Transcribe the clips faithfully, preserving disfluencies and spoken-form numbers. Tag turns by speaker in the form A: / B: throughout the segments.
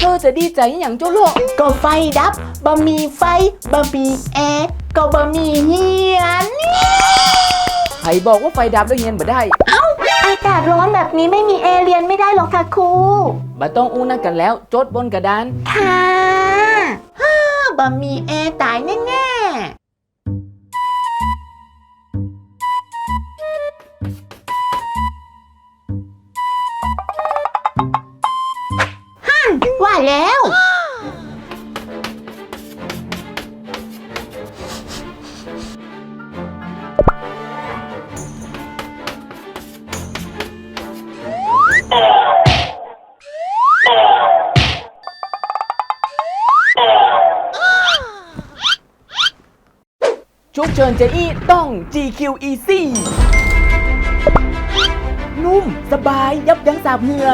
A: อจะดีใจอย่างโจโล
B: ก็ไฟดับบะมีไฟบะมีแอร์ก็บะมีเฮียน
A: ใครบอกว่าไฟดับแล้วเฮียนบ่ได้
B: เอ้าอากาศร้อนแบบนี้ไม่มีแอร์เรียนไม่ได้หรอกค่ะครู
A: บ่ต้องอู้นักกันแล้วจดบนกระดาน
B: ค่ะฮ่าบะมีแอร์ตายแน่ๆว่าแล้ว
A: ชุกเชิญเจอี้ต้อง จี คิว Easy นุ่มสบายยับยั้งสาบเหงื่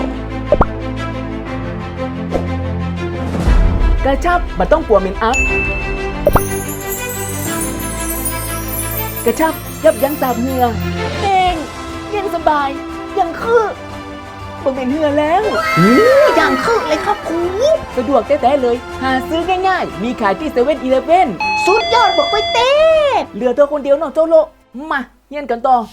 A: อกระชับบ่ต้องกลัวเหม็นอัพกระชับยับยั้งสาบเหงื่อเองเย็นสบายยังคือบ่เหม็นเหงื่อแล้ว
B: อย่างคือเลยครับครู
A: สะดวกแท้ๆเลยหาซื้อง่ายๆมีขายที่เซเว่นอีเลฟเว่น
B: สุดยอดบอกไปเต้
A: เหลือเธอคนเดียวเนาะโจโลมาเฮียนกันต่อ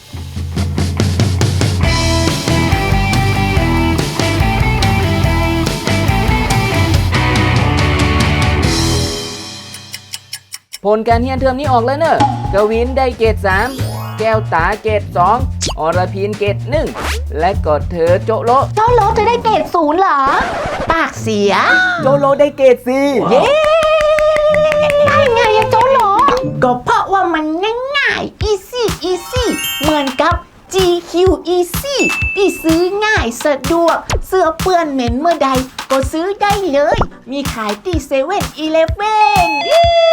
A: ผลการเฮียนเทอมนี้ออกแล้วเนอะกวินได้เกรดสามแก้วตาเกรดสองอรพินเกรดหนึ่งและก็เธอโจโล
B: โจโลจะได้เกรดศูนย์เหรอปากเสีย
A: โจโลได้เกรดสี่
B: เย้ได้ไงอะโจโลก็เพราะว่ามันง่ายๆ easy easy เหมือนกับ จี คิว Easy ที่ซื้อง่ายสะดวกเสื้อเปื้อนเหม็นเมื่อใดก็ซื้อได้เลยมีขายที่เซเว่นอีเลฟเว่น